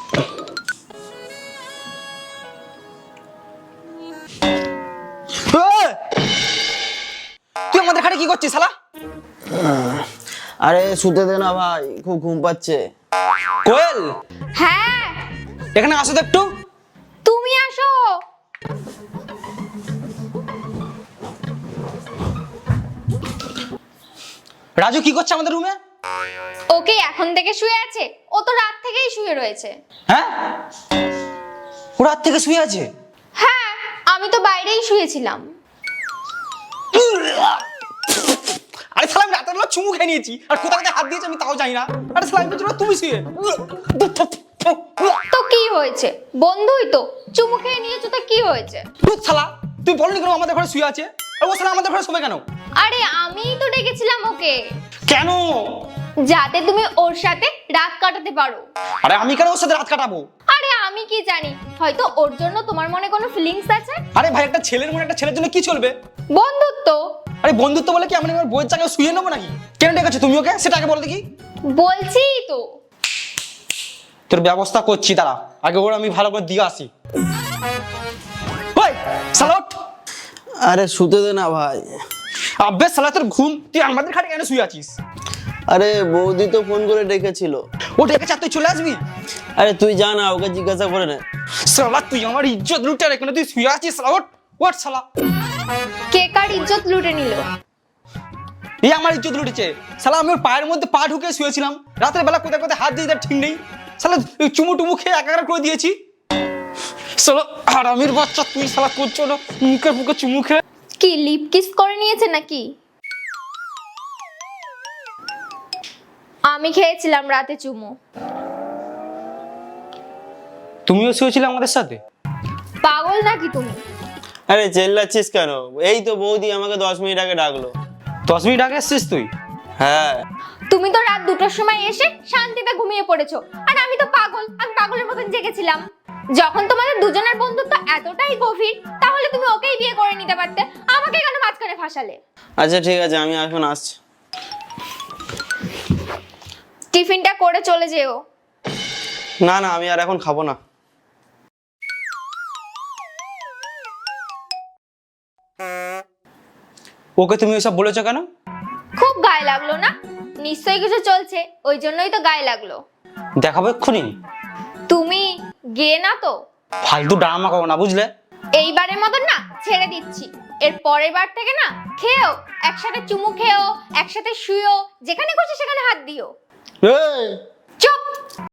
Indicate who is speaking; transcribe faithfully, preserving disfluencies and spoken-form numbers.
Speaker 1: তুই আমাদের খাটে কি করছিস শালা?
Speaker 2: আরে শুতে দে না ভাই, খুব ঘুম পাচ্ছে।
Speaker 1: কোয়েল,
Speaker 3: হ্যাঁ
Speaker 1: এখানে আসো তো একটু।
Speaker 3: তুমি আসো।
Speaker 1: রাজু কি করছে আমাদের রুমে?
Speaker 3: ওকে এখন থেকে শুয়ে আছে? ও তো রাত থেকেই শুয়ে রয়েছে।
Speaker 1: হ্যাঁ, ও রাত থেকে শুয়ে আছে?
Speaker 3: হ্যাঁ, আমি তো বাইরেই শুয়েছিলাম।
Speaker 1: আরে শালা, আমি রাতের বেলা চুমু খেয়ে নিয়েছি, আর কোথা থেকে হাত দিয়েছি আমি তাও জানি না। আরে শালা, আমি বলছি তুমি শুয়ে।
Speaker 3: তো কি হয়েছে, বন্ধুই তো, চুমু খেয়ে নিয়েছো তো কি হয়েছে?
Speaker 1: ধুর শালা, তুই বলনি কেন আমাদের ঘরে শুয়ে আছে? আর ও শালা আমাদের ঘরে শোবে কেন?
Speaker 3: আরে আমিই তো ডেকেছিলাম ওকে,
Speaker 1: কেন?
Speaker 3: যাতে তুমি ওর সাথে রাত কাটাতে পারো।
Speaker 1: আরে আমি কেন ওর সাথে রাত কাটাবো?
Speaker 3: আরে আমি কি জানি, হয়তো ওর জন্য তোমার মনে কোনো ফিলিংস আছে।
Speaker 1: আরে ভাই, একটা ছেলের মনে একটা ছেলের জন্য কি চলবে?
Speaker 3: বন্ধুত্ব।
Speaker 1: আরে বন্ধুত্ব বলে কি আমি আমার বইয়ের জায়গায় শুয়ে নেবো নাকি? কেন ডেকেছো তুমি ওকে, সেটা আগে বল দেখি।
Speaker 3: বলছি তো।
Speaker 1: তোর ব্যবস্থা করছি, দাঁড়া, আগে ওর আমি ভালো করে দিয়ে আসি। ওই শালা ওঠ।
Speaker 2: আরে শুতে দে না ভাই।
Speaker 1: আবে শালা, তোর ঘুম, তুই আমাদের খাটে কেন শুয়ে আছিস?
Speaker 2: আরে বৌদি তো ফোন করে ডেকেছিল।
Speaker 1: ও ডেকেছে আর তুই চলে আসবি?
Speaker 2: আরে তুই যা না, ওকে জিজ্ঞাসা করে নে।
Speaker 1: শালা, তুই আমার ইজ্জত লুটে রেখে তুই শুয়ে আছিস। শালা ওঠ, ওঠ শালা।
Speaker 3: কে কার ইজ্জত লুটে নিল?
Speaker 1: এই আমার ইজ্জত লুটেছে শালা। আমি ওর পায়ের মধ্যে পা ঢুকে শুয়েছিলাম, রাতের বেলা কোথায় কোথায় হাত দিয়ে, ঠিক নেই শালা। চুমু টুমু খেয়ে একাকার করে দিয়েছি শালা। আর আমির বাচ্চা, তুই শালা করছো না মুখে মুখে চুমু খেয়ে?
Speaker 3: কি লিপ কিস করে নিয়েছে নাকি? আমি খেয়েছিলাম রাতে চুমু।
Speaker 1: তুমিও শুয়েছিলে আমাদের সাথে?
Speaker 3: পাগল নাকি তুমি?
Speaker 2: আরে চেল্লাচ্ছিস কেন? এই তো বৌদি আমাকে দশ মিনিট আগে ডাকলো।
Speaker 1: দশ মিনিট আগে এসছিস তুই?
Speaker 2: হ্যাঁ।
Speaker 3: তুমি তো রাত দুটোর সময় এসে শান্তিতে ঘুমিয়ে পড়েছো, আর আমি তো পাগল, আমি পাগলের মতন জেগেছিলাম। যখন তোমাদের দুজনের বন্ধুত্ব এতটাই গভীর, তাহলে তুমি ওকেই বিয়ে করে নিতে পারতে, আমাকে কেন মাঝখানে ফাঁসালে?
Speaker 2: আচ্ছা ঠিক আছে, আমি এখন আসছি।
Speaker 3: টিফিনটা করে চলে যেও।
Speaker 2: না না, আমি আর এখন খাবো না।
Speaker 1: ওকে তুমি এসব বলেছো কেন?
Speaker 3: খুব গায়ে লাগলো না? নিশ্চয়ই কিছু চলছে, ওই জন্যই তো গায়ে লাগলো।
Speaker 1: দেখাবো এক্ষুনি।
Speaker 3: তুমি গে না তো?
Speaker 1: ফালতু ড্রামা করো না, বুঝলে?
Speaker 3: এইবারের মতন না ছেড়ে দিচ্ছি, এর পরের বার থেকে না খেও, একসাথে চুমু খেও, একসাথে শুয়েও, যেখানে খুশি সেখানে হাত দিও।
Speaker 2: এই